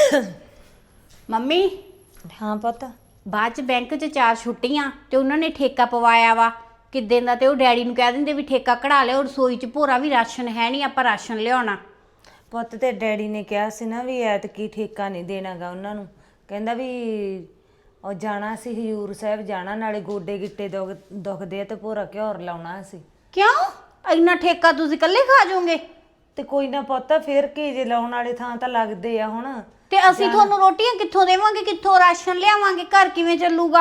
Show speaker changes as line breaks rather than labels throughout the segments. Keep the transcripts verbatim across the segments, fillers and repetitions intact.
Mummy
हाँ पुत
ਬਾਅਦ ਚ ਬੈਂਕ ਚ ਚਾਰ ਛੁੱਟੀਆਂ ਤੇ ਉਹਨਾਂ ਨੇ ਠੇਕਾ ਪਵਾਇਆ ਵਾ ਕਿੱਦਾਂ ਦਾ ਤੇ ਉਹ ਡੈਡੀ ਨੂੰ ਕਹਿ ਦਿੰਦੇ ਵੀ ਠੇਕਾ ਕਢਾ ਲਿਓ ਰਸੋਈ ਚ ਭੋਰਾ ਵੀ ਰਾਸ਼ਨ ਹੈ ਨਹੀਂ ਆਪਾਂ ਰਾਸ਼ਨ ਲਿਆਉਣਾ।
ਪੁੱਤ ਤੇ ਡੈਡੀ ਨੇ ਕਿਹਾ ਸੀ ਨਾ ਵੀ ਐਤਕੀ ਠੇਕਾ ਨਹੀਂ ਦੇਣਾਗਾ ਉਹਨਾਂ ਨੂੰ। ਕਹਿੰਦਾ ਵੀ ਉਹ ਜਾਣਾ ਸੀ ਹਜ਼ੂਰ ਸਾਹਿਬ ਜਾਣਾ ਨਾਲੇ ਗੋਡੇ ਗਿੱਟੇ ਦੁਖ ਦੁਖਦੇ ਆ ਤੇ ਭੋਰਾ ਘਿਓਰ ਲਾਉਣਾ ਸੀ।
ਕਿਉਂ ਇੰਨਾ ਠੇਕਾ ਤੁਸੀਂ ਇਕੱਲੇ ਖਾ ਜਾਓਗੇ?
ਤੇ ਕੋਈ ਨਾ ਪੁੱਤ ਫਿਰ ਕੀ ਜੇ ਲਾਉਣ ਵਾਲੇ ਥਾਂ ਤਾਂ ਲੱਗਦੇ ਆ ਹੁਣ।
ਤੇ ਅਸੀਂ ਤੁਹਾਨੂੰ ਰੋਟੀਆਂ ਕਿੱਥੋਂ ਦੇਵਾਂਗੇ ਕਿੱਥੋਂ ਰਾਸ਼ਨ ਲਿਆਵਾਂਗੇ ਘਰ ਕਿਵੇਂ ਚੱਲੂਗਾ?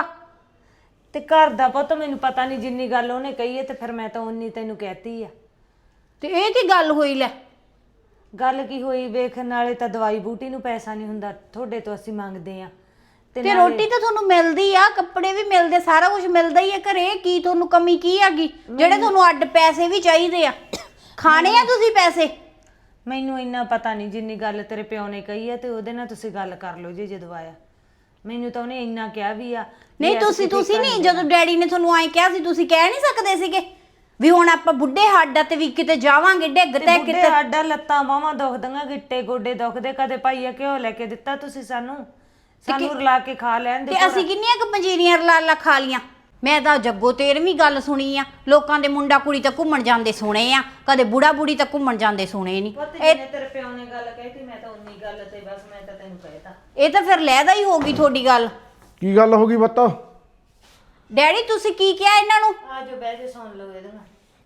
ਤੇ ਘਰ ਦਾ ਪੁੱਤ ਮੈਨੂੰ ਪਤਾ ਨਹੀਂ ਜਿੰਨੀ ਗੱਲ ਉਹਨੇ ਕਹੀ ਹੈ ਤੇ ਫਿਰ ਮੈਂ ਤਾਂ ਉਨੀ ਤੈਨੂੰ ਕਹਿਤੀ ਆ।
ਤੇ ਇਹ ਕੀ ਗੱਲ ਹੋਈ ਲੈ?
ਗੱਲ ਕੀ ਹੋਈ ਵੇਖ ਨਾਲੇ ਤਾਂ ਦਵਾਈ ਬੂਟੀ ਨੂੰ ਪੈਸਾ ਨਹੀਂ ਹੁੰਦਾ ਤੁਹਾਡੇ ਤੋਂ ਅਸੀਂ ਮੰਗਦੇ ਆ
ਤੇ ਰੋਟੀ ਤਾਂ ਤੁਹਾਨੂੰ ਮਿਲਦੀ ਆ ਕੱਪੜੇ ਵੀ ਮਿਲਦੇ ਸਾਰਾ ਕੁਝ ਮਿਲਦਾ ਹੀ ਆ ਘਰੇ ਕੀ ਤੁਹਾਨੂੰ ਕਮੀ ਕੀ ਹੈਗੀ ਜਿਹੜੇ ਤੁਹਾਨੂੰ ਅੱਡ ਪੈਸੇ ਵੀ ਚਾਹੀਦੇ ਆ ਖਾਣੇ ਆ ਤੁਸੀਂ ਪੈਸੇ?
ਮੈਨੂੰ ਇੰਨਾ ਪਤਾ ਨਹੀਂ ਜਿੰਨੀ ਗੱਲ ਤੇਰੇ ਪਿਓ ਨੇ ਕਹੀ ਆ ਤੇ ਉਹਦੇ ਨਾਲ ਤੁਸੀਂ ਗੱਲ ਕਰ ਲਓ ਜੇ ਜਦੋਂ ਆਇਆ। ਮੈਨੂੰ ਤਾਂ ਉਹਨੇ ਇੰਨਾ ਕਿਹਾ ਵੀ ਆ
ਨਹੀਂ ਤੁਸੀਂ ਤੁਸੀਂ ਨਹੀਂ ਜਦੋਂ ਡੈਡੀ ਨੇ ਤੁਹਾਨੂੰ ਐਂ ਕਿਹਾ ਸੀ ਤੁਸੀਂ ਕਹਿ ਨਹੀਂ ਸਕਦੇ ਸੀਗੇ ਵੀ ਹੁਣ ਆਪਾਂ ਬੁੱਢੇ ਹੱਡਾਂ ਤੇ ਵੀ ਕਿਤੇ ਜਾਵਾਂਗੇ ਡਿੱਗ ਤੇ ਕਿਤੇ
ਸਾਡਾ ਲੱਤਾਂ ਬਾਹਾਂ ਦੁਖਦੀਆਂ ਗਿੱਟੇ ਗੋਡੇ ਦੁਖਦੇ ਕਦੇ ਭਾਈਆ ਘਿਓ ਲੈ ਕੇ ਦਿੱਤਾ ਤੁਸੀਂ ਸਾਨੂੰ ਸਾਨੂੰ ਰਲਾ ਕੇ ਖਾ ਲੈਣ ਦੇ
ਤੇ ਅਸੀਂ ਕਿੰਨੀਆਂ ਕੁ ਪੰਜੀਰੀਆਂ ਰਲਾ ਲਾ ਖਾ ਲੀਆਂ। ਮੈਂ ਤਾਂ ਜੱਗੋ ਤੇਰਵੀਂ ਗੱਲ ਸੁਣੀ ਆ ਲੋਕਾਂ ਦੇ ਮੁੰਡਾ ਕੁੜੀ ਤਾਂ ਘੁੰਮਣ ਜਾਂਦੇ ਸੁਣੇ ਆ ਕਦੇ ਬੁੜਾ ਬੁੜੀ ਤਾਂ ਘੁੰਮਣ ਜਾਂਦੇ ਸੁਣੇ ਨਹੀਂ।
ਇਹ ਤੇਰੇ ਪਿਓ ਨੇ ਗੱਲ ਕਹਿਤੀ ਮੈਂ ਤਾਂ ਉਨੀ ਗੱਲ ਤੇ ਬਸ ਮੈਂ ਤਾਂ ਤੈਨੂੰ ਕਹਿਤਾ।
ਇਹ ਤਾਂ ਫਿਰ ਲੈਦਾ ਹੀ ਹੋ ਗਈ ਤੁਹਾਡੀ ਗੱਲ।
ਕੀ ਗੱਲ ਹੋ ਗਈ ਬੱਤਾ?
ਡੈਡੀ ਤੁਸੀਂ ਕੀ ਕਿਹਾ ਇਹਨਾਂ ਨੂੰ?
ਆ ਜੋ ਬਹਿ ਜਾ ਸੁਣ ਲਓ ਇਹਦੇ ਨਾਲ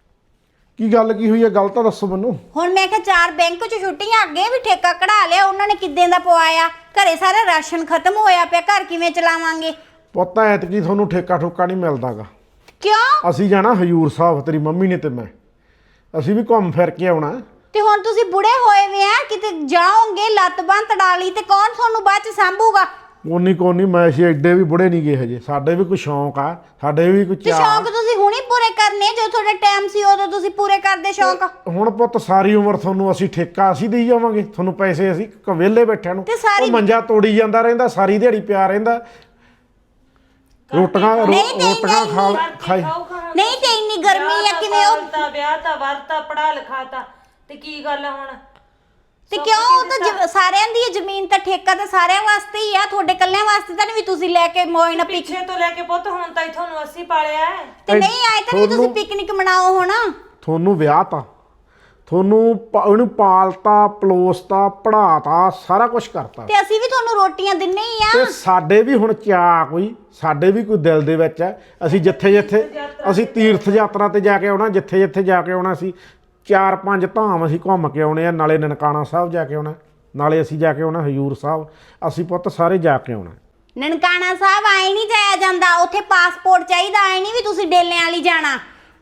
ਕੀ ਗੱਲ ਕੀ ਹੋਈ ਹੈ ਗੱਲ ਤਾਂ ਦੱਸੋ ਮੈਨੂੰ।
ਹੁਣ ਮੈਂ ਕਿਹਾ ਚਾਰ ਬੈਂਕ 'ਚ ਛੁੱਟੀਆਂ ਅੱਗੇ ਵੀ ਠੇਕਾ ਕਢਾ ਲਿਆ ਉਹਨਾਂ ਨੇ ਕਿੱਦਾਂ ਦਾ ਪਵਾਇਆ ਘਰੇ ਸਾਰਾ ਰਾਸ਼ਨ ਖਤਮ ਹੋਇਆ ਪਿਆ ਘਰ ਕਿਵੇਂ ਚਲਾਵਾਂਗੇ?
ਪੁੱਤ ਐਤਕੀ ਤੁਹਾਨੂੰ ਠੇਕਾ ਠੁੱਕਾ ਨਹੀਂ ਮਿਲਦਾਗਾ।
ਕਿਉਂ?
ਅਸੀਂ ਜਾਣਾ ਹਜੂਰ ਸਾਹਿਬ ਤੇਰੀ ਮੰਮੀ ਨੇ ਤੇ ਮੈਂ ਅਸੀਂ ਵੀ ਘੁੰਮ ਫਿਰ ਕੇ ਆਉਣਾ।
ਤੇ ਹੁਣ ਤੁਸੀਂ ਬੁੜੇ ਹੋਏ ਵੇ ਆ ਕਿਤੇ ਜਾਓਗੇ ਲੱਤ ਬਾਂਹ ਤੜਾ ਲਈ ਤੇ ਕੌਣ ਤੁਹਾਨੂੰ ਬਾਅਦ 'ਚ ਸੰਭੂਗਾ?
ਕੋਨੀ ਕੋਨੀ ਮੈਂ ਅਸੀਂ ਐਡੇ ਵੀ ਬੁੜੇ ਨਹੀਂ ਗਏ ਹਜੇ ਸਾਡੇ ਵੀ ਕੋਈ ਸ਼ੌਂਕ ਆ ਸਾਡੇ ਵੀ ਕੋਈ
ਤੇ
ਚਾਹ।
ਸ਼ੌਂਕ ਤੁਸੀਂ ਹੁਣੇ ਪੂਰੇ ਕਰਨੇ ਜਦੋਂ ਤੁਹਾਡਾ ਟਾਈਮ ਸੀ ਉਦੋਂ ਤੁਸੀਂ ਪੂਰੇ ਕਰਦੇ ਸ਼ੌਂਕ।
ਹੁਣ ਪੁੱਤ ਸਾਰੀ ਉਮਰ ਤੁਹਾਨੂੰ ਅਸੀਂ ਠੇਕਾ ਅਸੀਂ ਦੇਈ ਜਾਵਾਂਗੇ ਤੁਹਾਨੂੰ ਪੈਸੇ ਅਸੀਂ ਵਿਹਲੇ ਬੈਠਿਆਂ ਨੂੰ।
ਤੇ ਸਾਰੀ-
ਉਹ ਮੰਜਾ ਤੋੜੀ ਜਾਂਦਾ ਰਹਿੰਦਾ ਸਾਰੀ ਦਿਹਾੜੀ ਪਿਆ ਰਹਿੰਦਾ ਰੋਟੀਆਂ ਰੋਟੀਆਂ ਖਾ ਖਾਈ।
ਨਹੀਂ ਤੇ ਇੰਨੀ ਗਰਮੀ ਆ ਕਿਵੇਂ ਉਹ
ਤਾਂ ਵਿਆਹ ਤਾਂ ਵਰਤਾ ਪੜਾ ਲਿਖਾਤਾ ਤੇ ਕੀ ਗੱਲ ਆ ਹੁਣ?
ਤੇ ਕਿਉਂ ਉਹ ਤਾਂ ਜ- ਸਾਰਿਆਂ ਦੀ ਇਹ ਜ਼ਮੀਨ ਤਾਂ ਠੇਕਾ ਤਾਂ ਸਾਰਿਆਂ ਵਾਸਤੇ ਹੀ ਆ ਤੁਹਾਡੇ ਕੱਲਿਆਂ ਵਾਸਤੇ ਤਾਂ ਨਹੀਂ ਵੀ ਤੁਸੀਂ ਲੈ ਕੇ ਮੌਜ ਨਾਲ ਪਿਕ
ਪਿੱਛੇ ਤੋਂ ਲੈ ਕੇ ਪੁੱਤ ਹੁਣ ਤਾਂ ਤੁਹਾਨੂੰ ਅਸੀਂ ਪਾਲਿਆ ਹੈ।
ਤੇ ਨਹੀਂ ਆਏ ਤਾਂ ਨਹੀਂ ਤੁਸੀਂ ਪਿਕਨਿਕ ਮਨਾਓ ਹੁਣ।
ਤੁਹਾਨੂੰ ਵਿਆਹ ਤਾਂ ਤੁਹਾਨੂੰ ਪ- ਉਹਨੂੰ ਪਾਲਤਾ ਪਲੋਸਤਾ ਪੜਾਤਾ ਸਾਰਾ ਕੁਝ ਕਰਤਾ
ਤੇ ਅਸੀਂ ਵੀ ਤੁਹਾਨੂੰ ਰੋਟੀਆਂ ਦਿੰਨੇ ਹੀ ਆ।
ਤੇ ਸਾਡੇ ਵੀ ਹੁਣ ਚਾਅ ਕੋਈ ਸਾਡੇ ਵੀ ਕੋਈ ਦਿਲ ਦੇ ਵਿੱਚ ਹੈ ਅਸੀਂ ਜਿੱਥੇ ਜਿੱਥੇ ਅਸੀਂ ਤੀਰਥ ਯਾਤਰਾ ਤੇ ਜਾ ਕੇ ਆਉਣਾ ਜਿੱਥੇ ਜਿੱਥੇ ਜਾ ਕੇ ਆਉਣਾ ਅਸੀਂ ਚਾਰ ਪੰਜ ਧਾਮ ਅਸੀਂ ਘੁੰਮ ਕੇ ਆਉਣੇ ਆ ਨਾਲੇ ਨਨਕਾਣਾ ਸਾਹਿਬ ਜਾ ਕੇ ਆਉਣਾ ਨਾਲੇ ਅਸੀਂ ਜਾ ਕੇ ਆਉਣਾ ਹਜੂਰ ਸਾਹਿਬ ਅਸੀਂ ਪੁੱਤ ਸਾਰੇ ਜਾ ਕੇ ਆਉਣਾ।
ਨਨਕਾਣਾ ਸਾਹਿਬ ਆਏ ਨਹੀਂ ਜਾਇਆ ਜਾਂਦਾ ਉੱਥੇ ਪਾਸਪੋਰਟ ਚਾਹੀਦਾ ਆਏ ਨਹੀਂ ਵੀ ਤੁਸੀਂ ਡੇਲਿਆਂ ਵਾਲੀ ਜਾਣਾ।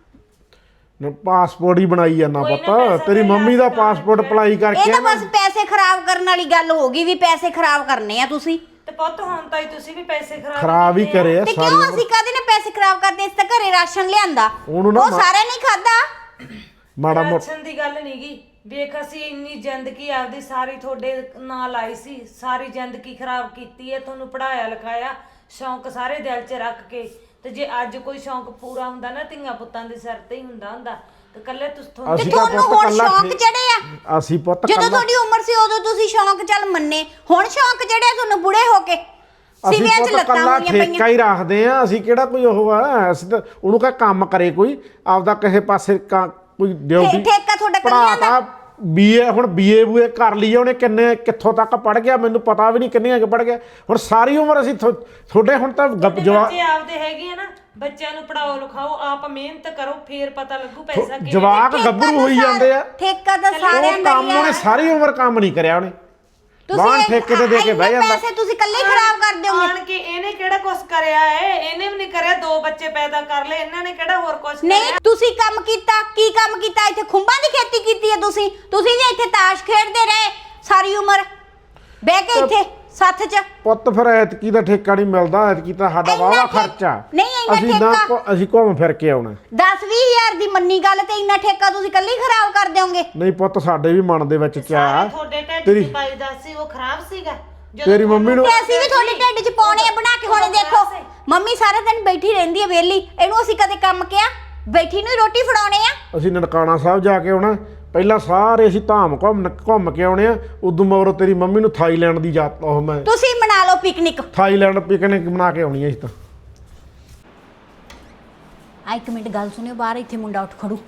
ਪਾਸਪੋਰਟ ਹੀ ਬਣਾਈ ਜਾਂਦਾ ਪੁੱਤ ਤੇਰੀ ਮੰਮੀ ਦਾ ਪਾਸਪੋਰਟ ਅਪਲਾਈ ਕਰਕੇ
ਇਹ ਤਾਂ ਬਸ ਪੈਸੇ ਖਰਾਬ ਕਰਨ ਵਾਲੀ ਗੱਲ ਹੋ ਗਈ ਵੀ ਪੈਸੇ ਖਰਾਬ ਕਰਨੇ ਆ ਤੁਸੀਂ।
ਤੇ ਪੁੱਤ ਹੁਣ ਤਾਂ ਤੁਸੀਂ ਵੀ ਪੈਸੇ ਖਰਾਬ
ਖਰਾਬ ਹੀ ਕਰੇ ਆ
ਤੇ
ਸਾਰੀ
ਕਿਉਂ
ਉਮਰ।
ਅਸੀਂ ਕਦੇ ਨੇ ਪੈਸੇ ਖਰਾਬ ਕਰਦੇ ਇਸ ਤਾਂ ਘਰੇ ਰਾਸ਼ਨ ਲਿਆਂਦਾ
ਉਹਨੂੰ ਨਾ
ਉਹ ਸਾਰਿਆਂ ਨੇ ਖਾਦਾ।
ਮਾੜਾ ਮੋਟਾ
ਰਾਸ਼ਨ ਦੀ ਗੱਲ ਨਹੀਂਗੀ ਵੇਖ ਅਸੀਂ ਇੰਨੀ ਜ਼ਿੰਦਗੀ ਆਪਦੀ ਸਾਰੀ ਤੁਹਾਡੇ ਨਾਲ ਆਈ ਸੀ ਸਾਰੀ ਜ਼ਿੰਦਗੀ ਖਰਾਬ ਕੀਤੀ ਹੈ ਤੁਹਾਨੂੰ ਪੜਾਇਆ ਲਿਖਾਇਆ ਸ਼ੌਂਕ ਸਾਰੇ ਦਿਲ 'ਚ ਰੱਖ ਕੇ ਤੇ ਜੇ ਅੱਜ ਕੋਈ ਸ਼ੌਂਕ ਪੂਰਾ ਹੁੰਦਾ ਨਾ ਧੀਆਂ ਪੁੱਤਾਂ ਦੇ ਸਿਰ ਤੇ ਹੀ ਹੁੰਦਾ ਹੁੰਦਾ ਤੇ ਕੱਲੇ ਤੁਸੀਂ
ਤੇ ਤੁਹਾਨੂੰ ਹੁਣ ਸ਼ੌਂਕ ਚੜੇ ਆ
ਅਸੀਂ ਪੁੱਤ
ਜਦੋਂ ਤੁਹਾਡੀ ਉਮਰ ਸੀ ਉਦੋਂ ਤੁਸੀਂ ਸ਼ੌਂਕ ਚੱਲ ਮੰਨੇ ਹੁਣ ਸ਼ੌਂਕ ਚੜਿਆ ਤੁਹਾਨੂੰ ਬੁੜੇ ਹੋ ਕੇ
ਅਸੀਂ
ਸਿਵਿਆਂ 'ਚ
ਪੁੱਤ
ਲੱਤਾਂ
ਕੱਲਾ
ਹੋਈਆਂ
ਠੇਕਾ
ਪਈਆਂ।
ਹੀ ਰੱਖਦੇ ਆ ਅਸੀਂ ਕਿਹੜਾ ਕੋਈ ਉਹ ਆ ਅਸੀਂ ਤਾਂ ਉਹਨੂੰ ਕਹ ਕੰਮ ਕਰੇ ਕੋਈ ਆਪਦਾ ਕਿਸੇ ਪਾਸੇ ਕ- ਕੋਈ ਡਿਊਟੀ
ਠੇਕਾ ਤੁਹਾਡਾ ਕੱਲਿਆਂ ਦਾ
ਪੜਾਤਾ ਬੀਏ ਹੁਣ ਬੀਏ ਬੂਏ ਕਰ ਲਈ ਉਹਨੇ ਕਿੰਨੇ ਕਿੱਥੋਂ ਤੱਕ ਪੜ ਗਿਆ ਮੈਨੂੰ ਪਤਾ ਵੀ ਨਹੀਂ ਕਿੰਨੀਆਂ ਕਿ ਪੜ ਗਿਆ ਹੁਣ ਸਾਰੀ ਉਮਰ ਅਸੀਂ ਤੁਹਾਡੇ ਹੁਣ ਤਾਂ ਗੱਪ ਜਵਾਬ
ਬੱਚੇ ਆਪਦੇ ਹੈਗੇ ਆ ਨਾ ਬੱਚਿਆਂ ਨੂੰ ਪੜਾਓ ਲਿਖਾਓ ਆਪ ਮਿਹਨਤ ਕਰੋ ਫੇਰ ਪਤਾ ਲੱਗੂ ਪੈਸਾ ਕਿਵੇਂ।
ਜਵਾਕ ਗੱਭਰੂ ਹੋਈ ਜਾਂਦੇ ਆ
ਠੇਕਾ ਤਾਂ ਸਾਰਿਆਂ
ਉਹ
ਦਾ
ਕੰਮ
ਹੀ ਆ।
ਉਹਨੇ ਸਾਰੀ ਉਮਰ ਕੰਮ ਨਹੀਂ ਕਰਿਆ ਉਹਨੇ ਬਾਹਰ
ਤੁਸੀਂ
ਠੇਕੇ ਤੇ ਦੇ ਕੇ ਬਹਿ
ਇੰਨੇ
ਜਾਂਦਾ
ਪੈਸੇ ਤੁਸੀਂ ਇਕੱਲੇ ਹੀ ਖਰਾਬ ਕਰ ਦਿਓਗੇ।
ਆਣ ਕੇ ਇਹਨੇ ਕਿਹੜਾ ਕੁਛ ਕਰਿਆ ਏ ਇਹਨੇ ਵੀ ਨਹੀਂ ਕਰਿਆ ਦੋ ਬੱਚੇ ਪੈਦਾ ਕਰ ਲਏ ਇਹਨਾਂ ਨੇ ਕਿਹੜਾ ਹੋਰ ਕੁਛ
ਨਹੀਂ
ਕਰਿਆ।
ਤੁਸੀਂ ਕੰਮ ਕੀਤਾ ਕੀ ਕੰਮ ਕੀਤਾ ਇੱਥੇ ਖੁੰਬਾਂ ਦੀ ਖੇਤੀ ਕੀਤੀ ਹੈ ਤੁਸੀਂ ਤੁਸੀਂ ਵੀ ਇੱਥੇ ਤਾਸ਼ ਖੇਡਦੇ ਰਹੇ ਸਾਰੀ ਉਮਰ ਬਹਿ ਕੇ ਇੱਥੇ ਸੱਥ 'ਚ।
ਪੁੱਤ ਫਿਰ ਐਤਕੀ ਦਾ ਠੇਕਾ ਨਹੀਂ ਮਿਲਦਾ ਐਤਕੀ ਤਾਂ ਸਾਡਾ
ਇੰਨਾ
ਵਾਹਵਾ
ਠੇ-
ਖਰਚਾ
ਨਹੀਂ, ਇੰਨਾ
ਅਸੀਂ ਨਾ
ਠੇਕਾ-
ਘੁ- ਅਸੀਂ ਘੁੰਮ ਫਿਰ ਕੇ ਆਉਣਾ
ਦਸ ਵੀਹ ਹਜ਼ਾਰ ਦੀ ਮੰਨੀ ਗੱਲ ਤੇ ਇੰਨਾ ਠੇਕਾ ਤੁਸੀਂ ਇਕੱਲੇ ਹੀ ਖਰਾਬ ਕਰ ਦਿਓਗੇ।
ਨਹੀਂ ਪੁੱਤ ਸਾਡੇ ਵੀ ਮਨ ਦੇ ਵਿੱਚ
ਸਾਰੇ
ਚਾਹ
ਤੁਹਾਡੇ ਢਿੱਡ
ਤੇਰੀ-
'ਚ ਪਾਈ ਦਾ ਸੀ ਉਹ ਖਰਾਬ ਸੀਗਾ ਜਦੋਂ
ਤੇਰੀ ਮੰਮੀ ਨੂੰ-
ਤੇ ਅਸੀਂ ਵੀ ਤੁਹਾਡੇ ਢਿੱਡ 'ਚ ਪਾਉਣੇ ਆ ਬਣਾ ਕੇ ਹੁਣੇ ਦੇਖੋ ਮੰਮੀ ਸਾਰਾ ਦਿਨ ਬੈਠੀ ਰਹਿੰਦੀ ਹੈ ਵਿਹਲੀ ਇਹਨੂੰ ਅਸੀਂ ਕਦੇ ਕੰਮ ਕਿਹਾ ਬੈਠੀ ਨੂੰ ਹੀ ਰੋਟੀ ਫੜਾਉਣੇ ਆ।
ਅਸੀਂ ਨਨਕਾਣਾ ਸਾਹਿਬ ਜਾ ਕੇ ਆਉਣਾ ਪਹਿਲਾਂ ਸਾਰੇ ਅਸੀਂ ਧਾਮ ਘੁੰਮ ਘੁੰਮ ਕੇ ਆਉਣੇ ਆ ਉਦੋਂ ਮਗਰੋਂ ਤੇਰੀ ਮੰਮੀ ਨੂੰ ਥਾਈਲੈਂਡ ਦੀ ਯਾਤ ਉਹ ਮੈਂ
ਤੁਸੀਂ ਮਨਾ ਲਓ ਪਿਕਨਿਕ।
ਥਾਈਲੈਂਡ ਪਿਕਨਿਕ ਬਣਾ ਕੇ ਆਉਣੀ ਆ ਅਸੀਂ ਤਾਂ।
ਆ ਇੱਕ ਮਿੰਟ ਗੱਲ ਸੁਣਿਓ, ਬਾਹਰ ਇੱਥੇ ਮੁੰਡਾ ਉੱਠ ਖੜੂ।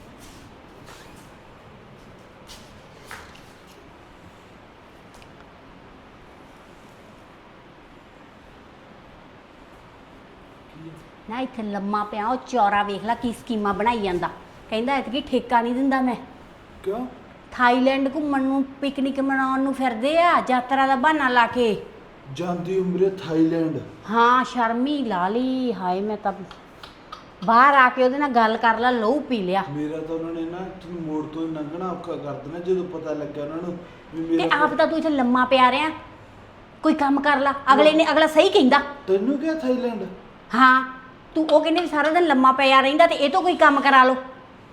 ਨਾ ਇੱਥੇ ਲੰਮਾ ਪਿਆ ਉਹ ਚੌਰਾ, ਵੇਖ ਲੈ ਕੀ ਸਕੀਮਾਂ ਬਣਾਈ ਜਾਂਦਾ। ਕਹਿੰਦਾ ਇਤਕੀ ਠੇਕਾ ਨਹੀਂ ਦਿੰਦਾ ਮੈਂ।
ਕਿਉਂ?
ਥਾਈਲੈਂਡ ਘੁੰਮਣ ਨੂੰ ਪਿਕਨਿਕ ਮਨਾਉਣ ਨੂੰ ਫਿਰਦੇ ਆ, ਯਾਤਰਾ ਦਾ ਬਹਾਨਾ ਲਾ ਕੇ।
ਜਾਂਦੀ ਉਮਰੇ ਥਾਈਲੈਂਡ।
ਹਾਂ ਸ਼ਰਮੀ ਲਾ ਲਈ। ਹਾਏ ਮੈਂ ਤਾਂ ਬਾਹਰ ਆ ਕੇ ਉਹਦੇ ਨਾਲ ਗੱਲ ਕਰ ਲਾ, ਲਹੂ ਪੀ ਲਿਆ।
ਮੇਰਾ ਤਾਂ ਉਹਨਾਂ ਨੇ ਨਾ ਤੁਹਾਨੂੰ ਮੋੜ ਤੋਂ ਹੀ ਲੰਘਣਾ ਔਖਾ ਕਰ ਦੇਣਾ ਜਦੋਂ ਪਤਾ ਲੱਗਿਆ ਉਹਨਾਂ ਨੂੰ ਵੀ
ਤੇ
ਮੇਰਾ।
ਆਪ ਤਾਂ ਤੂੰ ਇੱਥੇ ਲੰਮਾ ਪਿਆ ਰਿਹਾ, ਕੋਈ ਕੰਮ ਕਰ ਲਾ। ਅਗਲੇ ਨੇ ਅਗਲਾ ਸਹੀ ਕਹਿੰਦਾ।
ਤੈਨੂੰ ਕਿਹਾ ਥਾਈਲੈਂਡ?
ਹਾਂ ਤੂੰ ਉਹ ਕਹਿੰਦੇ ਵੀ ਸਾਰਾ ਦਿਨ ਲੰਮਾ ਪਿਆ ਰਹਿੰਦਾ ਤੇ ਇਹ ਤੋਂ ਕੋਈ ਕੰਮ ਕਰਾ ਲਓ।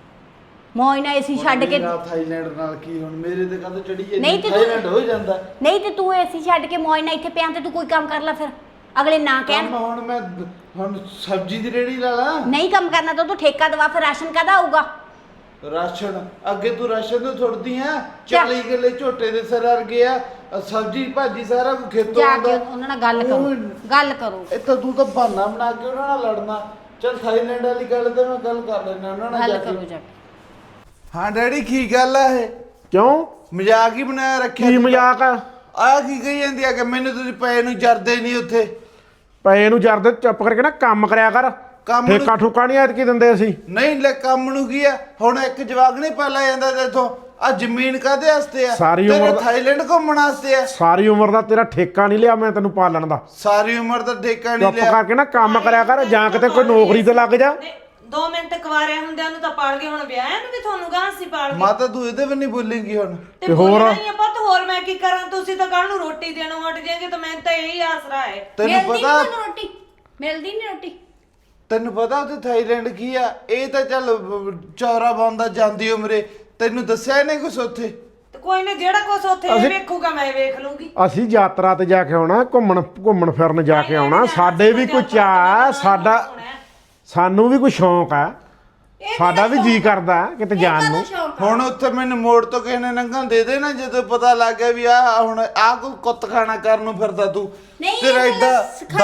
ਮੌਜ ਨਾਲ ਏਸੀ ਛੱਡ ਕੇ।
ਮੇਰਾ ਥਾਈਲੈਂਡ ਨਾਲ ਕੀ ਹੁਣ, ਮੇਰੇ ਤੇ ਕਦੋਂ ਚੜੀ
ਨਹੀਂ
ਜਾਂਦੀ
ਤੇ ਤੂੰ-
ਥਾਈਲੈਂਡ ਹੋ ਜਾਂਦਾ।
ਨਹੀਂ ਤੇ ਤੂੰ ਏਸੀ ਛੱਡ ਕੇ ਮੌਜ ਨਾਲ ਇੱਥੇ ਪਿਆ ਤੇ ਤੂੰ ਕੋਈ ਕੰਮ ਕਰ ਲੈ, ਫਿਰ ਅਗਲੇ ਨਾ ਕਹਿਣ।
ਕੰਮ ਹੁਣ ਮੈਂ ਹੁਣ ਸਬਜ਼ੀ ਦੀ ਰੇੜੀ ਲਾ ਲਾ।
ਨਹੀਂ ਕੰਮ ਕਰਨਾ ਤਾਂ ਤੂੰ ਠੇਕਾ ਦਵਾ, ਫਿਰ ਰਾਸ਼ਨ ਕਾਹਦਾ ਆਊਗਾ?
ਰਾਸ਼ਨ ਅੱਗੇ ਤੂੰ ਰਾਸ਼ਨ ਤੋਂ ਥੁੜਦੀ ਆ। ਚਾਲੀ ਕਿੱਲੇ ਝੋਟੇ ਦੇ ਸਿਰ ਅਰ ਗਿਆ, ਸਬਜ਼ੀ ਭਾਜੀ ਸਾਰਾ ਕੁਝ ਖੇਤੋਂ
ਜਾ
ਆਉਂਦਾ।
ਕੇ ਉਹਨਾਂ ਨਾਲ ਗੱਲ ਕਰੋ, ਗੱਲ ਕਰੋ।
ਇਹ ਤਾਂ ਤੂੰ ਤਾਂ ਬਹਾਨਾ ਬਣਾ ਕੇ ਉਹਨਾਂ ਨਾਲ ਲੜਨਾ। ਚਲ ਥਾਈਲੈਂਡ ਵਾਲੀ ਗੱਲ ਤੇ ਮੈਂ ਗੱਲ ਕਰ ਲੈਣਾ ਉਹਨਾਂ ਨਾਲ
ਗੱਲ
ਜਾ
ਕਰੋ
ਕੇ।
ਜਾ ਕੇ।
ਹਾਂ ਡੈਡੀ ਕੀ ਗੱਲ ਆ ਇਹ?
ਕਿਉਂ?
ਮਜ਼ਾਕ ਹੀ ਬਣਾਇਆ ਰੱਖਿਆ
ਕੀ
ਤੂੰ ਤਾਂ।
ਮਜ਼ਾਕ ਆ?
ਆਹ ਕੀ ਕਹੀ ਜਾਂਦੀ ਆ ਕਿ ਮੈਨੂੰ ਤੁਸੀਂ ਪਏ ਨੂੰ ਜਰਦੇ ਨਹੀਂ ਉੱਥੇ।
ਪਏ ਨੂੰ ਜਰਦੇ ਚੁੱਪ ਕਰਕੇ ਨਾ ਕੰਮ ਕਰਿਆ ਕਰ।
ਕੰਮ ਨੂੰ-
ਠੇਕਾ ਠੁਕਾ ਨਹੀਂ ਐਤਕੀ ਦਿੰਦੇ ਅਸੀਂ।
ਨਹੀਂ ਲੈ ਕੰਮ ਨੂੰ ਕੀ ਆ ਹੁਣ? ਇੱਕ ਜਵਾਕ ਨਹੀਂ ਪਾਲਾ ਜਾਂਦਾ ਤੇਥੋਂ। ਆ ਜ਼ਮੀਨ ਕਾਹਦੇ ਵਾਸਤੇ ਆ?
ਸਾਰੀ
ਤੇਰੇ
ਉਮਰ ਦਾ-
ਥਾਈਲੈਂਡ ਘੁੰਮਣ ਵਾਸਤੇ ਆ।
ਸਾਰੀ ਉਮਰ ਦਾ ਤੇਰਾ ਠੇਕਾ ਨਹੀਂ ਲਿਆ ਮੈਂ ਤੈਨੂੰ ਪਾਲਣ ਦਾ।
ਸਾਰੀ ਉਮਰ ਦਾ ਠੇਕਾ ਨਹੀਂ
ਚੁੱਪ
ਲਿਆ।
ਕਰਕੇ ਨਾ ਕੰਮ ਕਰਿਆ ਕਰ, ਜਾਂ ਕਿਤੇ ਕੋਈ ਨੌਕਰੀ ਤੇ ਲੱਗ ਜਾ।
ਨੇ ਦੋ ਮਿੰਟ ਕੁਵਾਰਿਆਂ ਹੁੰਦਿਆਂ ਨੂੰ ਤਾਂ ਪਾਲ ਗਏ, ਹੁਣ ਵਿਆਹਿਆਂ ਨੂੰ ਵੀ ਤੁਹਾਨੂੰ ਗਾਂ ਸੀ ਪਾਲ ਗਏ।
ਮਾਤਾ ਤੂੰ ਇਹਦੇ ਵੀ ਨਹੀਂ ਬੋਲੇਂਗੀ ਹੁਣ।
ਤੇ
ਤੇ ਹੋਰ?
ਬੋਲਣਾ ਹੀ ਆ ਪੁੱਤ, ਹੋਰ ਮੈਂ ਕੀ ਕਰਾਂ? ਤੁਸੀਂ ਤਾਂ ਕੱਲ ਨੂੰ ਰੋਟੀ ਦੇਣੋਂ ਹਟ ਜਾਏਗੇ ਤਾਂ ਮੈਨੂੰ ਤਾਂ ਇਹੀ ਆਸਰਾ ਹੈ।
ਤੈਨੂੰ
ਮਿਲਦੀ ਨੀ
ਪਤਾ
ਤੁਹਾਨੂੰ ਰੋਟੀ, ਮਿਲਦੀ ਨਹੀਂ ਰੋਟੀ।
ਤੈਨੂੰ ਪਤਾ ਉੱਥੇ ਥਾਈਲੈਂਡ ਕੀ ਆ? ਇਹ ਤਾਂ ਚੱਲ ਚੌਰਾ ਬੰਦਾ ਜਾਂਦੀ ਉਮਰੇ। ਤੈਨੂੰ ਦੱਸਿਆ ਇਹਨੇ ਕੁਛ ਉੱਥੇ?
ਤੇ ਕੋਈ ਨਾ, ਜਿਹੜਾ ਕੁਛ ਉੱਥੇ ਇਹ
ਅਸੀਂ-
ਵੇਖੂਗਾ ਮੈਂ ਵੇਖ ਲੂੰਗੀ।
ਅਸੀਂ ਯਾਤਰਾ ਤੇ ਜਾ ਕੇ ਆਉਣਾ, ਘੁੰਮਣ ਘੁੰਮਣ ਫਿਰਨ ਜਾ ਕੇ ਆਉਣਾ। ਸਾਡੇ ਵੀ ਕੋਈ ਚਾਅ, ਸਾਡਾ ਸਾਨੂੰ ਵੀ ਕੋਈ ਸ਼ੌਂਕ ਆ। ਸਾਡਾ ਵੀ ਜੀ ਕਰਦਾ ਕਿਤੇ ਜਾਣ ਨੂੰ।
ਹੁਣ ਉੱਥੇ ਮੈਨੂੰ ਮੋੜ ਤੋਂ ਕਿਸੇ ਨੇ ਨੰਗਾਂ ਦੇ ਦੇ ਨਾ, ਜਦੋਂ ਪਤਾ ਲੱਗ ਗਿਆ ਵੀ ਆ ਹੁਣ ਆ ਕੋਈ ਕੁੱਤ ਖਾਣਾ ਕਰਨ ਨੂੰ ਫਿਰਦਾ ਤੂੰ।
ਨਹੀਂ,
ਤੇਰਾ
ਇਹ
ਏਡਾ
ਤਾਂ ਸਿਖਾਈ-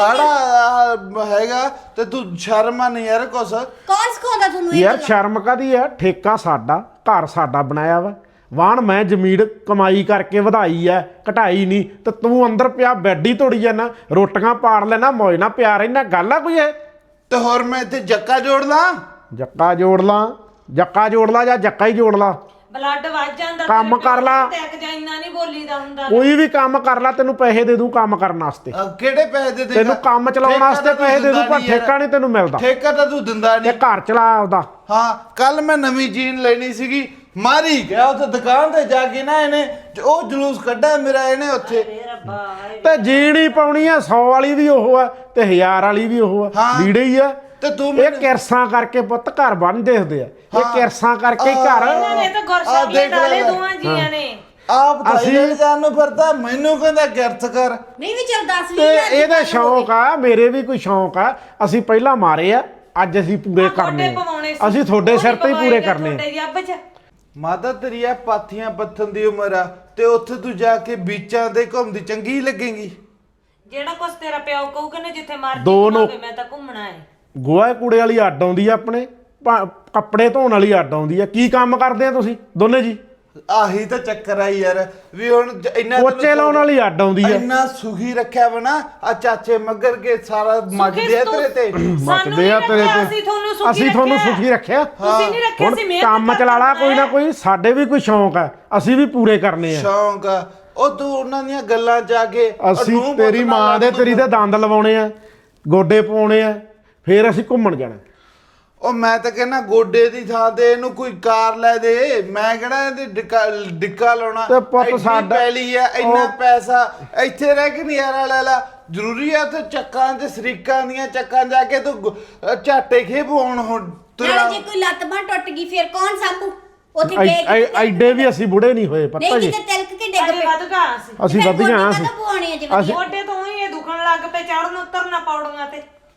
ਦਾੜਾ ਹੈਗਾ ਤੇ ਤੂੰ ਸ਼ਰਮ ਆ ਨਹੀਂ ਯਾਰ ਕੁਛ।
ਕੌਣ ਸਿਖਾਉਂਦਾ ਤੁਹਾਨੂੰ ਇਹ
ਯਾਰ
ਗੱਲਾਂ?
ਸ਼ਰਮ ਕਾਦੀ ਆ? ਠੇਕਾ ਸਾਡਾ, ਘਰ ਸਾਡਾ ਬਣਾਇਆ ਵਾ। ਵਾਹਣ ਮੈਂ ਜ਼ਮੀਨ ਕਮਾਈ ਕਰਕੇ ਵਧਾਈ ਐ, ਘਟਾਈ ਨਹੀਂ। ਤੇ ਤੂੰ ਅੰਦਰ ਪਿਆ ਬੈੱਡ ਹੀ ਤੋੜੀ ਜਾਂਦਾ, ਰੋਟੀਆਂ ਪਾੜ ਲੈਣਾ, ਮੌਜ ਨਾਲ ਪਿਆ ਰਹਿਣਾ। ਗੱਲ ਆ ਕੋਈ ਇਹ?
ਤੇ ਹੋਰ ਮੈਂ ਇੱਥੇ ਜੱਕਾ ਜੋੜ ਲਾਂ?
ਜੱਕਾ ਜੋੜ ਲਾ, ਜੱਕਾ ਜੋੜ ਲਾ ਜਾਂ ਜੱਕਾ ਹੀ ਜੋੜ ਲਾ।
ਬਲੱਡ ਵੱਜ ਜਾਂਦਾ।
ਕੰਮ
ਤੇਰੇ
ਕਰ ਲਾ।
ਪਿਓ ਤੇ ਇੱਕ ਇੰਨਾ ਨਹੀਂ ਬੋਲੀਦਾ ਹੁੰਦਾ।
ਕੋਈ ਵੀ ਕੰਮ ਕਰ ਲਾ, ਤੈਨੂੰ ਪੈਸੇ ਦੇ ਦੂੰ ਕੰਮ ਕਰਨ ਵਾਸਤੇ।
ਅਹ ਕਿਹੜੇ ਪੈਸੇ ਦੇ ਦੇਗਾ?
ਤੈਨੂੰ ਕੰਮ ਚਲਾਉਣ
ਠੇਕਾ
ਵਾਸਤੇ
ਤਾਂ ਤੂੰ
ਪੈਸੇ ਦੇ ਦੂੰ,
ਦਿੰਦਾ
ਪਰ
ਨਹੀਂ ਯਾਰ।
ਠੇਕਾ ਨਹੀਂ ਤੈਨੂੰ ਮਿਲਦਾ।
ਠੇਕਾ ਤਾਂ ਤੂੰ ਦਿੰਦਾ
ਤੇ
ਨਹੀਂ।
ਘਰ ਚਲਾ ਆਪਦਾ।
ਹਾਂ ਕੱਲ ਮੈਂ ਨਵੀਂ ਜੀਨ ਲੈਣੀ ਸੀਗੀ, ਮਾਰੀ ਗਿਆ ਉੱਥੇ ਦੁਕਾਨ ਤੇ ਜਾ ਕੇ ਨਾ ਇਹਨੇ ਉਹ ਜਲੂਸ ਕੱਢਿਆ ਮੇਰਾ ਇਹਨੇ ਉੱਥੇ।
ਏ ਰੱਬਾ ਹਾਏ।
ਤੇ ਜੀਣੀ ਪਾਉਣੀ ਆ, ਸੌ ਵਾਲੀ ਵੀ ਉਹ ਆ ਤੇ ਹਜ਼ਾਰ ਵਾਲੀ ਵੀ ਉਹ ਆ।
ਹਾਂ।
ਲੀੜੇ ਹੀ ਆ।
ਤੇ ਤੂੰ
ਇਹ
ਮੈਨੂੰ-
ਕਿਰਸਾਂ ਕਰਕੇ ਪੁੱਤ ਘਰ ਬਣ ਦੇਖਦੇ ਆ। ਇਹ
ਹਾਂ।
ਕਿਰਸਾਂ ਕਰਕੇ ਹੀ ਘਰ।
ਇਹਨਾਂ ਨੇ ਤਾਂ
ਆਹ
ਗੁਰਸ਼ਕਲੇ
ਦੇਖ
ਡਾਲੇ
ਲੈ।
ਦੋਵਾਂ ਜੀਆਂ ਨੇ।
ਆਪ
ਅਸੀਂ-
ਥਾਈਲੈਂਡ ਜਾਣ ਨੂੰ ਫਿਰਦਾ, ਮੈਨੂੰ ਕਹਿੰਦਾ ਗਿਰਥ ਕਰ।
ਨਹੀਂ ਵੀ ਚੱਲ ਦੱਸ
ਤੇ ਇਹਦਾ ਸ਼ੌਂਕ ਆ, ਮੇਰੇ ਵੀ ਕੋਈ ਸ਼ੌਂਕ ਆ। ਅਸੀਂ ਪਹਿਲਾਂ ਮਾਰੇ ਆ, ਅੱਜ ਅਸੀਂ ਪੂਰੇ
ਆਹ
ਕਰਨੇ
ਗੋਡੇ
ਆ।
ਪਵਾਉਣੇ ਸੀ।
ਅਸੀਂ ਤੁਹਾਡੇ
ਉਹ
ਸਿਰ
ਨੀ
ਤੇ ਹੀ ਪੂਰੇ
ਪਵਾਏ
ਕਰਨੇ ਆ।
ਤੁਹਾਡੇ ਜੱਬ 'ਚ।
ਮਾਤਾ ਤੇਰੀ ਆ ਪਾਥੀਆਂ ਪੱਥਨ ਦੀ ਉਮਰ ਆ ਤੇ ਉੱਥੇ ਤੂੰ ਜਾ ਕੇ ਬੀਚਾਂ ਤੇ ਘੁੰਮਦੀ ਚੰਗੀ ਲੱਗੇਗੀ।
ਜਿਹੜਾ ਕੁਛ ਤੇਰਾ ਪਿਓ ਕਹੂਗਾ ਨਾ ਜਿੱਥੇ ਮਰਜੀ
ਦੋ ਨੌ-
ਘੁੰਮਾਵੇ, ਮੈਂ ਤਾਂ ਘੁੰਮਣਾ ਹੈ।
ਗੋਹਾ ਕੂੜੇ ਵਾਲੀ ਅੱਡ ਆਉਂਦੀ ਆ ਆਪਣੇ, ਭਾ- ਕੱਪੜੇ ਧੋਣ ਵਾਲੀ ਅੱਡ ਆਉਂਦੀ ਆ। ਕੀ ਕੰਮ ਕਰਦੇ ਆ ਤੁਸੀਂ ਦੋਨੇ ਜੀ?
ਆਹੀ ਤਾਂ ਚੱਕਰ ਆ ਯਾਰ ਵੀ ਹੁਣ ਜ- ਇੰਨਾ ਤੈਨੂੰ
ਪੋਚੇ ਲਾਉਣ ਵਾਲੀ ਅੱਡ ਆਉਂਦੀ ਆ।
ਇੰਨਾ ਸੁਖੀ ਰੱਖਿਆ ਵਾ ਨਾ ਆ ਚਾਚੇ ਮੱਗਰ ਕੇ ਸਾਰਾ ਮੱਜਦੇ ਆ
ਤੂੰ-
ਤੇਰੇ ਤੇ।
ਸਾਨੂੰ
ਮੱਚਦੇ ਆ
ਨਹੀਂ
ਤੇਰੇ
ਰੱਖਿਆ,
ਤੇ।
ਅਸੀਂ ਤੁਹਾਨੂੰ ਸੁਖੀ
ਅਸੀਂ ਤੁਹਾਨੂੰ
ਰੱਖਿਆ।
ਸੁਖੀ ਰੱਖਿਆ।
ਤੁਸੀਂ ਨਹੀਂ ਰੱਖਿਆ
ਹੁਣ
ਸੀ। ਮਿਹਨਤ
ਕੰਮ
ਕਰਨਾ
ਚਲਾ ਲਾ ਕੋਈ ਨਾ
ਹੈ।
ਕੋਈ। ਸਾਡੇ ਵੀ ਕੋਈ ਸ਼ੌਂਕ ਆ, ਅਸੀਂ ਵੀ ਪੂਰੇ ਕਰਨੇ ਆ।
ਸ਼ੌਂਕ ਆ ਉਹ ਤੂੰ ਉਹਨਾਂ ਦੀਆਂ ਗੱਲਾਂ ਜਾ ਕੇ
ਅਸੀਂ
ਨੂੰਹ
ਤੇਰੀ
ਪੁੱਤ
ਮਾਂ
ਨਾਲ
ਦੇ ਤੇਰੀ ਦੇ ਦੰਦ ਲਵਾਉਣੇ ਆ, ਗੋਡੇ ਪਾਉਣੇ ਆ, ਫੇਰ ਅਸੀਂ ਘੁੰਮਣ ਜਾਣਾ।
ਉਹ ਮੈਂ ਤਾਂ ਕਹਿੰਦਾ ਗੋਡੇ ਦੀ ਥਾਂ ਤੇ ਇਹਨੂੰ ਕੋਈ ਕਾਰ ਲੈ ਦੇ। ਮੈਂ ਕਿਹੜਾ ਇਹਦੇ ਡਿੱਕਾ ਡਿੱਕਾ ਲਾਉਣਾ।
ਤੇ ਪੁੱਤ
ਐਡੀ
ਸਾਡਾ-
ਪੈਲੀ ਆ, ਇੰਨਾ
ਉਹ-
ਪੈਸਾ ਇੱਥੇ ਰਹਿ ਕੇ ਨਜ਼ਾਰਾ ਲੈ ਲਾ। ਜ਼ਰੂਰੀ ਆ ਤੇ ਚੱਕਾਂ ਤੇ ਸਰੀਕਾਂ ਦੀਆਂ ਚੱਕਾਂ ਜਾ ਕੇ ਤੂੰ ਗੁ- ਅਹ ਝਾਟੇ ਖੇਪਾਉਣ ਹੁਣ ਤੁਰਿਆ।
ਨਾਲੇ ਜੇ ਕੋਈ ਲੱਤ ਬਾਂਹ ਟੁੱਟ ਗਈ ਫਿਰ ਕੌਣ ਸਾਂਭੂ? ਉੱਥੇ
ਐ-
ਡੇਗ
ਐ- ਐਡੇ ਵੀ ਅਸੀਂ ਬੁੜੇ ਨਹੀਂ ਹੋਏ ਪਤਾ
ਨਹੀਂ
ਜੀ।
ਕਿਤੇ ਤਿਲਕ ਕੇ ਡਿੱਗ
ਅਜੇ
ਪਏ।
ਵੱਧ ਗਾ ਸੀ।
ਅਸੀਂ ਵਧੀਆ ਹਾਂ ਅਸੀਂ।
ਪਵਾਉਣੇ ਆ ਜੀ
ਅਸੀਂ-
ਗੋਡੇ ਤੋਂ ਹੀ ਇਹ ਦੁਖਣ ਲੱਗ ਪਏ, ਚੜਨ ਉਤਰਨਾ ਪੌੜੀਆਂ ਤੇ।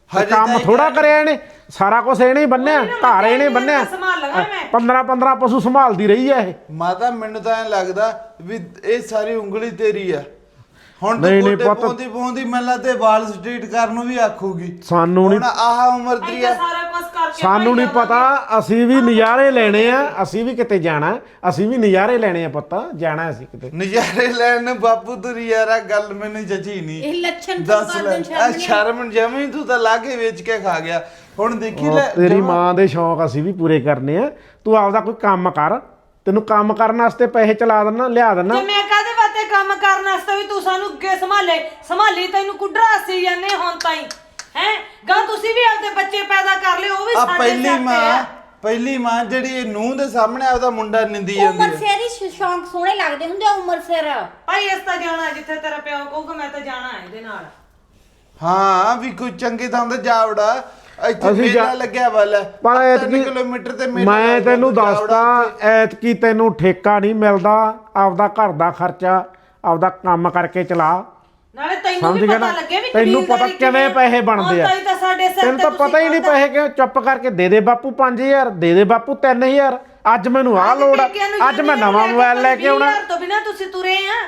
ਹਜੇ
ਕੰਮ
ਤਾਂ
ਥੋੜਾ ਕਰਿਆ ਇਹਨੇ, ਸਾਰਾ ਕੁਝ ਇਹਨੇ ਹੀ ਬੰਨਿਆ, ਘਰ ਇਹਨੇ ਬੰਨਿਆ।
ਸੰਭਾਲ ਲਵਾਂ ਮੈਂ।
ਪੰਦਰਾਂ ਪੰਦਰਾਂ ਪਸ਼ੂ ਸੰਭਾਲਦੀ ਰਹੀ ਆ ਇਹ।
ਮਾਤਾ ਮੈਨੂੰ ਤਾਂ ਐ ਲੱਗਦਾ ਵੀ ਇਹ ਸਾਰੀ ਉਂਗਲੀ ਤੇਰੀ ਆ। ਹੁਣ ਤੂੰ
ਨਹੀਂ, ਨਹੀਂ
ਗੋਡੇ
ਪੁੱਤ।
ਪਾਉਂਦੀ ਪਾਉਂਦੀ ਮੈਨੂੰ ਲੱਗਦਾ ਵਾਲ ਸਟ੍ਰੀਟ ਕਰਨ ਨੂੰ ਵੀ ਆਖੂਗੀ।
ਸਾਨੂੰ ਨਹੀਂ
ਹੁਣ ਆਹ ਉਮਰ ਦੀ
ਐਦਾਂ
ਆ।
ਸਾਰਾ ਕੁਝ ਕਰਕੇ
ਸਾਨੂੰ ਨਹੀਂ
ਭਾਈ
ਪਤਾ, ਅਸੀਂ ਵੀ ਨਜ਼ਾਰੇ ਲੈਣੇ ਆ, ਅਸੀਂ ਵੀ ਕਿਤੇ ਜਾਣਾ, ਅਸੀਂ ਵੀ ਨਜ਼ਾਰੇ ਲੈਣੇ ਆ ਪੁੱਤ, ਜਾਣਾ ਅਸੀਂ ਕਿਤੇ।
ਨਜ਼ਾਰੇ ਲੈਣ ਨੂੰ ਬਾਪੂ ਤੁਰੀ ਯਾਰ ਆ ਗੱਲ ਮੈਨੂੰ ਜਚੀ ਨਹੀਂ।
ਇਹ ਲੱਛਣ ਤੋਂ
ਦੱਸ
ਕਰ
ਲੈ
ਦੇਣ
ਆ
ਸ਼ਰਮ
ਸ਼ਰਮ ਜਮੀ ਤੂੰ ਤਾਂ ਲਾ ਕੇ ਵੇਚ ਕੇ ਖਾ ਗਿਆ। ਹੁਣ ਦੇਖੀ
ਉਹ
ਲੈ
ਤੇਰੀ
ਜਮਾਂ-
ਮਾਂ ਦੇ ਸ਼ੌਂਕ ਅਸੀਂ ਵੀ ਪੂਰੇ ਕਰਨੇ ਆ। ਤੂੰ ਆਪਦਾ ਕੋਈ ਕੰਮ ਕਰ, ਤੈਨੂੰ ਕੰਮ ਕਰਨ ਵਾਸਤੇ ਪੈਸੇ ਚਲਾ ਦੇਣਾ, ਲਿਆ ਦੇਣਾ।
ਜੇ ਮੈਂ ਕਾਹਦੇ ਵਾਸਤੇ ਕੰਮ ਕਰਨ ਵਾਸਤੇ ਵੀ ਤੂੰ ਸਾਨੂੰ ਅੱਗੇ ਸੰਭਾਲੇ ਸੰਭਾਲੀ ਤੈਨੂੰ ਕੁੱਡਰਾ ਸੀ ਜਾਂਦੇ ਹੁਣ ਤਾਈ ਹੈ ਗਾ ਤੁਸੀਂ ਵੀ ਆਪਦੇ ਬੱਚੇ ਪੈਦਾ ਕਰ ਲਿਓ ਉਹ ਵੀ
ਆ
ਸਾਡੇ
ਪਹਿਲੀ
ਸਿਰ ਤੇ
ਮਾਂ
ਆ।
ਪਹਿਲੀ ਮਾਂ ਜਿਹੜੀ ਨੂੰਹ ਦੇ ਸਾਹਮਣੇ ਆਪਦਾ ਮੁੰਡਾ ਨਿੰਦੀ ਜਾਂਦੀ
ਉਮਰ
ਹੈ।
ਸਿਰ ਹੀ ਸ਼ੌਂਕ ਸੋਹਣੇ ਲੱਗਦੇ ਹੁੰਦੇ ਆ, ਉਮਰ ਸਿਰ।
ਭਾਈ ਇਸ ਤਾਂ ਜਾਣਾ ਜਿੱਥੇ ਤੇਰਾ ਪਿਓ ਕਹੂਗਾ ਮੈਂ ਤਾਂ ਜਾਣਾ ਇਹਦੇ ਨਾਲ।
ਹਾਂ ਵੀ ਕੋਈ ਚੰਗੀ ਥਾਂ ਤੇ ਜਾ ਵੜਾ। ਇੱਥੇ
ਅਸੀਂ
ਮੇਲਾ
ਜਾ-
ਲੱਗਿਆ ਵਾਲਾ
ਪਰ
ਤਿੰਨ
ਐਤਕੀ
ਕਿਲੋਮੀਟਰ ਤੇ ਮੇਲਾ
ਮੈਂ
ਲੱਗਦਾ,
ਤੈਨੂੰ
ਤੂੰ ਜਾ ਵੜਾ
ਦੱਸਦਾ,
ਉੱਥੇ।
ਐਤਕੀ ਤੈਨੂੰ ਠੇਕਾ ਨਹੀਂ ਮਿਲਦਾ, ਆਪਦਾ ਘਰ ਦਾ ਖਰਚਾ ਆਪਦਾ ਕੰਮ ਕਰਕੇ ਚਲਾ।
ਨਾਲੇ ਤੈਨੂੰ
ਸਮਝ
ਵੀ
ਗਿਆ
ਪਤਾ
ਨਾ?
ਲੱਗੇ ਵੀ
ਤੈਨੂੰ ਪਤਾ
ਕਬੀਲਦਾਰੀ
ਕਿਵੇਂ ਪੈਸੇ ਬਣਦੇ ਆ।
ਹੁਣ ਤਾਈ ਤਾਂ ਸਾਡੇ ਸਿਰ
ਤੈਨੂੰ
ਤੇ
ਤਾਂ
ਤੁਸੀਂ
ਪਤਾ ਹੀ ਨਹੀਂ
ਖਾਧਾ।
ਪੈਸੇ ਕਿਉਂ, ਚੁੱਪ ਕਰਕੇ ਦੇ ਦੇ ਬਾਪੂ ਪੰਜ ਹਜ਼ਾਰ, ਦੇ ਦੇ ਬਾਪੂ ਤਿੰਨ ਹਜ਼ਾਰ। ਅੱਜ ਮੈਨੂੰ ਆਹ
ਅੱਜ
ਲੋੜ ਆ,
ਪੇਕਿਆਂ ਨੂੰ
ਅੱਜ ਮੈਂ
ਜਾਂਦੇ
ਨਵਾਂ
ਨੇ
ਮੋਬਾਈਲ ਲੈ ਕੇ ਆਉਣਾ।
ਵੀਹ ਹਜ਼ਾਰ ਤੋਂ ਬਿਨਾਂ ਤੁਸੀਂ ਤੁਰੇ ਆ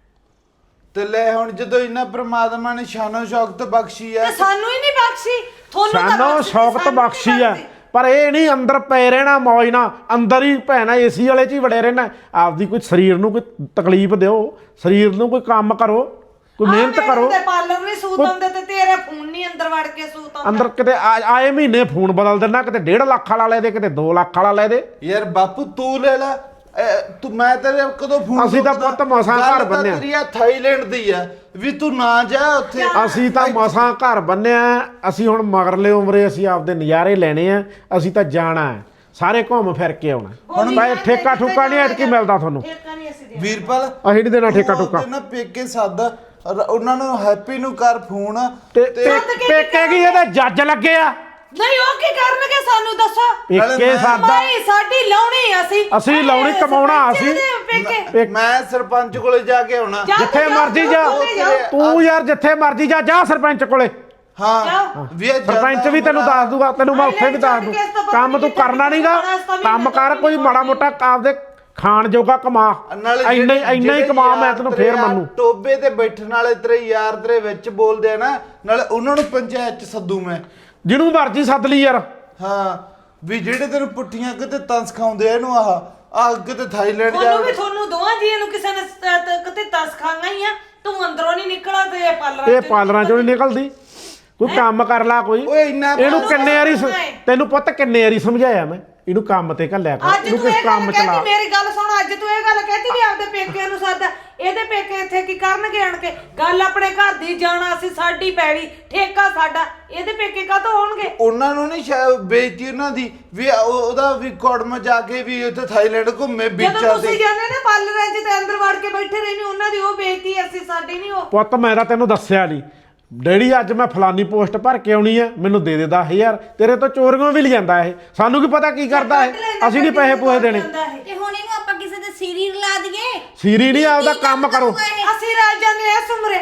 ਤੇ ਲੈ ਹੁਣ ਜਦੋਂ ਇੰਨਾ ਪ੍ਰਮਾਤਮਾ ਨੇ ਸ਼ਾਨੋ ਸ਼ੌਕਤ ਬਖਸ਼ੀ ਆ
ਤੇ ਸਾਨੂੰ ਹੀ ਨਹੀਂ ਬਖਸ਼ੀ ਤੁਹਾਨੂੰ ਤਾਂ
ਸਾਨੂੰ
ਬਖਸ਼ੀ,
ਸ਼ੌਕਤ
ਸਾਨੂੰ ਨਹੀਂ
ਬਖਸ਼ੀ ਆ,
ਬਖਸ਼ੀ।
ਪਰ ਇਹ ਨਹੀਂ ਅੰਦਰ ਪਏ ਰਹਿਣਾ ਮੌਜ ਨਾਲ, ਅੰਦਰ ਹੀ ਭੈਣਾ ਏਸੀ ਵਾਲੇ 'ਚ ਹੀ ਵੜੇ ਰਹਿਣਾ। ਆਪਦੀ ਕੋਈ ਸਰੀਰ ਨੂੰ ਕੋਈ ਤਕਲੀਫ ਦਿਓ, ਸਰੀਰ ਨੂੰ ਕੋਈ ਕੰਮ ਕਰੋ, ਕੋਈ ਮਿਹਨਤ ਕਰੋ।
ਤੇ ਪਾਰਲਰ ਨਹੀਂ ਸੂਤ ਆਉਂਦੇ ਤੇ ਤੇਰੇ ਫੋਨ ਨਹੀਂ ਅੰਦਰ ਵੜ ਕੇ ਸੂਤ ਆਉਂਦਾ।
ਅੰਦਰ ਕਿਤੇ ਆ- ਆਏ ਮਹੀਨੇ ਫੋਨ ਬਦਲ ਦੇਣਾ, ਕਿਤੇ ਡੇਢ ਲੱਖ ਵਾਲਾ ਲੈ ਦੇ, ਕਿਤੇ ਦੋ ਲੱਖ ਵਾਲਾ ਲੈ ਦੇ।
ਯਾਰ ਬਾਪੂ ਤੂੰ ਲੈ ਲੈ ਇਹ ਤੂੰ ਮੈਂ ਤੇਰੇ ਕਦੋਂ ਫੋਨ
ਅਸੀਂ ਤਾਂ ਪੁੱਤ ਮਸਾਂ ਘਰ ਬੰਨਿਆ।
ਤੇਰੀ ਆ ਥਾਈਲੈਂਡ ਦੀ ਆ ਵੀ ਤੂੰ ਨਾ ਜਾ ਉੱਥੇ।
ਅਸੀਂ ਤਾਂ ਮਸਾਂ ਘਰ ਬੰਨਿਆ, ਅਸੀਂ ਹੁਣ ਮਗਰਲੇ ਉਮਰੇ ਅਸੀਂ ਆਪਦੇ ਨਜ਼ਾਰੇ ਲੈਣੇ ਆ, ਅਸੀਂ ਤਾਂ ਜਾਣਾ ਹੈ, ਸਾਰੇ ਘੁੰਮ ਫਿਰ ਕੇ ਆਉਣਾ। ਹੁਣ ਮੈਂ ਠੇਕਾ ਠੁਕਾ ਨਹੀਂ ਐਤਕੀ ਮਿਲਦਾ ਤੁਹਾਨੂੰ।
ਠੇਕਾ ਨਹੀਂ ਅਸੀਂ ਦੇ
ਵੀਰਪਾਲ
ਅਸੀਂ ਨਹੀਂ ਦੇਣਾ ਠੇਕਾ
ਤੂੰ
ਠੁਕਾ।
ਉਹਦੇ ਨਾ ਪੇਕੇ ਸੱਦ ਔਰ ਉਹਨਾਂ ਨੂੰ ਹੈਪੀ ਨੂੰ ਕਰ ਫੋਨ
ਤੇ
ਤੇ
ਪੇ- ਪੇਕੇ ਕੀ ਇਹਦੇ ਜੱਜ ਲੱਗੇ ਆ,
ਨਹੀਂ ਉਹ ਕੀ ਕਰਨਗੇ ਸਾਨੂੰ ਦੱਸੋ
ਪੇਕੇ
ਮੈਂ-
ਸਾਦਾ
ਭਾਈ ਸਾਡੀ ਲਾਉਣੀ ਅਸੀਂ
ਅਸੀਂ ਲਾਉਣੀ, ਕਮਾਉਣਾ ਅਸੀਂ।
ਪੇਕੇ
ਪੇ-
ਮੈਂ ਸਰਪੰਚ ਕੋਲੇ ਜਾ ਕੇ ਆਉਣਾ।
ਜਾ
ਜਿੱਥੇ
ਤੂੰ
ਮਰਜੀ ਜਾ,
ਤੂੰ ਜਾਓ।
ਤੂੰ ਯਾਰ ਜਿੱਥੇ ਮਰਜੀ ਜਾ, ਜਾ ਸਰਪੰਚ ਕੋਲੇ।
ਹਾਂ
ਜਾਓ।
ਵੀ ਇਹ
ਸਰਪੰਚ ਵੀ ਤੈਨੂੰ ਦੱਸ ਦੂਗਾ, ਤੈਨੂੰ ਮੈਂ ਉੱਥੇ ਵੀ ਦੱਸ ਦੂੰ। ਕੰਮ ਤੂੰ ਕਰਨਾ ਨਹੀਂਗਾ, ਕੰਮ ਕਰ ਕੋਈ ਮਾੜਾ ਮੋਟਾ ਆਪਦੇ ਖਾਣ ਜੋਗਾ ਕਮਾ,
ਨਾਲੇ
ਇੰਨਾ ਹੀ
ਜਿਹੜੇ-
ਇੰਨਾ ਹੀ
ਜਿਹੜੇ
ਕਮਾ, ਮੈਂ
ਯਾਰ
ਤੈਨੂੰ
ਤੇਰੇ
ਫੇਰ
ਆ
ਮੰਨੂ।
ਟੋਬੇ ਤੇ ਬੈਠਣ ਵਾਲੇ ਤੇਰੇ ਯਾਰ ਤੇਰੇ ਵਿੱਚ ਬੋਲਦੇ ਆ ਨਾ, ਨਾਲੇ ਉਹਨਾਂ ਨੂੰ ਪੰਚਾਇਤ ਚ ਸੱਦੂ ਮੈਂ।
ਜਿਹਨੂੰ ਮਰਜੀ ਸੱਦ ਲਈ ਯਾਰ।
ਹਾਂ ਵੀ ਜਿਹੜੇ ਤੈਨੂੰ ਪੁੱਠੀਆਂ ਕਿਤੇ ਤੰਸ ਖਾਉਂਦੇ ਆ ਇਹਨੂੰ ਆਹ ਆਹ ਕਿਤੇ ਥਾਈਲੈਂਡ ਜਾ
ਤੁਹਾਨੂੰ ਵੀ ਤੁਹਾਨੂੰ ਦੋਵਾਂ ਜੀਆਂ ਨੂੰ ਕਿਸੇ ਨੇ ਸ- ਤ- ਕਿਤੇ ਤਸ ਖਾਂਗਾ ਹੀ ਆ ਤੂੰ ਅੰਦਰੋਂ ਨਹੀਂ ਨਿਕਲਾ ਤੇ ਇਹ ਪਾਲਰਾਂ
ਇਹ ਪਾਲਰਾਂ ਚੋਂ ਨਹੀਂ ਨਿਕਲਦੀ। ਕੋਈ ਕੰਮ ਕਰ ਲਾ ਕੋਈ।
ਓਏ ਇੰਨਾ
ਇਹਨੂੰ
ਪਾਲਰਾਂ
ਕਿੰਨੇ ਵਾਰੀ ਸ-
ਸਮਝਾਏ।
ਤੈਨੂੰ ਪੁੱਤ ਕਿੰਨੇ ਵਾਰੀ ਸਮਝਾਇਆ ਮੈਂ, ਇਹਨੂੰ ਕੰਮ ਤੇ ਘੱਲਿਆ ਕਰ,
ਅੱਜ
ਇਹਨੂੰ
ਤੂੰ
ਕਿਸ
ਇਹ ਗੱਲ
ਕੰਮ
ਕਹਿਤੀ,
ਚਲਾ।
ਮੇਰੀ ਗੱਲ ਸੁਣ, ਅੱਜ ਤੂੰ ਇਹ ਗੱਲ ਕਹਿਤੀ ਵੀ ਆਪਦੇ ਪੇਕਿਆਂ ਨੂੰ ਸੱਦ, ਇਹਦੇ ਪੇਕੇ ਇੱਥੇ ਕੀ ਕਰਨਗੇ ਆਣ ਕੇ? ਗੱਲ ਆਪਣੇ ਘਰ ਦੀ ਜਾਣਾ, ਅਸੀਂ ਸਾਡੀ ਪੈੜੀ ਠੇਕਾ ਸਾਡਾ, ਇਹਦੇ ਪੇਕੇ ਕਾਹਤੋਂ ਹੋਣਗੇ?
ਉਹਨਾਂ ਨੂੰ ਨਹੀਂ ਸ਼ਾਇਦ ਬੇਇੱਜ਼ਤੀ ਉਹਨਾਂ ਦੀ ਵੀ ਉਹ- ਉਹਦਾ ਵੀ ਕੋੜਮ ਜਾ ਕੇ ਵੀ ਉੱਥੇ ਥਾਈਲੈਂਡ ਘੁੰਮੇ
ਜਦੋਂ
ਬੀਚਾਂ
ਤੁਸੀਂ
ਤੇ।
ਜਾਂਦੇ ਨਾ ਪਾਰਲਰਾਂ 'ਚ ਤੇ ਅੰਦਰ ਵੜ ਕੇ ਬੈਠੇ ਰਹਿੰਦੇ, ਉਹਨਾਂ ਦੀ ਉਹ ਬੇਇੱਜ਼ਤੀ, ਅਸੀਂ ਸਾਡੀ ਨਹੀਂ ਉਹ।
ਪੁੱਤ ਮੈਂ ਤਾਂ ਤੈਨੂੰ ਦੱਸਿਆ ਨਹੀਂ, ਡੈਡੀ ਅੱਜ ਮੈਂ ਫਲਾਨੀ ਪੋਸਟ ਭਰ ਕੇ ਆਉਣੀ ਆ, ਮੈਨੂੰ ਦੇ ਦੇ ਦਸ ਹਜ਼ਾਰ। ਤੇਰੇ ਤੋਂ ਚੋਰੀਆਂ ਵੀ ਲਿਆਂਦਾ ਇਹ, ਸਾਨੂੰ ਕੀ ਪਤਾ ਕੀ ਕਰਦਾ ਇਹ, ਅਸੀਂ ਨਹੀਂ ਪੈਸੇ ਪੂਸੇ ਦੇਣੇ।
ਤੇ ਹੁਣ ਇਹਨੂੰ ਆਪਾਂ ਕਿਸੇ ਦੇ ਸੀਰੀ ਲਾ ਦਈਏ।
ਸੀਰੀ ਨਹੀਂ, ਆਪਦਾ
ਕੀ
ਕੰਮ ਕਰੋ।
ਕਰੂਗਾ ਇਹ?
ਅਸੀਂ ਰਲ ਜਾਂਦੇ ਐ ਸੁਮਰੇ,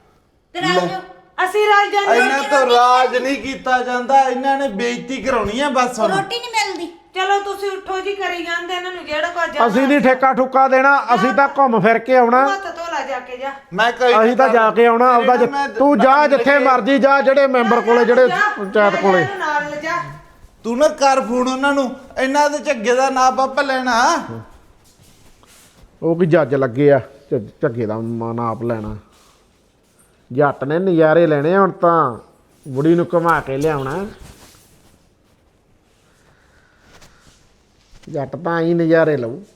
ਤੇ ਰਾਜੋ
ਅਸੀਂ ਰਲ ਜਾਂਦੇ
ਇਹਨਾਂ ਤੋਂ ਰਾਜ ਨਹੀਂ ਕੀਤਾ ਜਾਂਦਾ, ਇਹਨਾਂ ਨੇ ਬੇਇੱਜ਼ਤੀ ਕਰਾਉਣੀ ਆ ਬਸ ਹੁਣ।
ਰੋਟੀ ਨਹੀਂ ਮਿਲਦੀ।
ਚਲੋ ਤੁਸੀਂ ਉੱਠੋ ਜੀ, ਕਰੀ ਜਾਂਦੇ ਇਹਨਾਂ ਨੂੰ ਜਿਹੜਾ ਕੋ ਜਾਣਾ।
ਅਸੀਂ ਨਹੀਂ ਠੇਕਾ ਠੁੱਕਾ ਦੇਣਾ, ਅਸੀਂ ਤਾਂ ਘੁੰਮ ਫਿਰ ਕੇ ਆਉਣਾ।
ਹੱਥ ਧੋਲਾ ਜਾ ਕੇ ਜਾ।
ਮੈਂ ਕਹੀ
ਅਸੀਂ ਤਾਂ ਜਾ ਕੇ ਆਉਣਾ ਆਪਦਾ ਜਿ- ਤੂੰ ਜਾ ਜਿੱਥੇ ਮਰਜੀ ਜਾ, ਜਿਹੜੇ ਮੈਂਬਰ ਕੋਲੇ, ਜਿਹੜੇ
ਜਾ,
ਪੰਚਾਇਤ
ਜਾ,
ਕੋਲੇ।
ਇਹਨੂੰ ਨਾਲ ਲਿਜਾ।
ਤੂੰ ਨਾ ਕਰ ਫੋਨ ਉਹਨਾਂ ਨੂੰ, ਇਹਨਾਂ ਦੇ ਝੱਗੇ ਦਾ ਨਾਪ ਆਪ ਲੈਣਾ।
ਉਹ ਵੀ ਜੱਜ ਲੱਗੇ ਆ, ਝ- ਝੱਗੇ ਦਾ ਮ- ਨਾਪ ਲੈਣਾ। ਜੱਟ ਨੇ ਨਜ਼ਾਰੇ ਲੈਣੇ ਆ, ਹੁਣ ਤਾਂ ਬੁੜੀ ਨੂੰ ਘੁਮਾ ਕੇ ਲਿਆਉਣਾ। ਜੱਟ ਤਾਂ ਹੀ ਨਜ਼ਾਰੇ ਲਊ।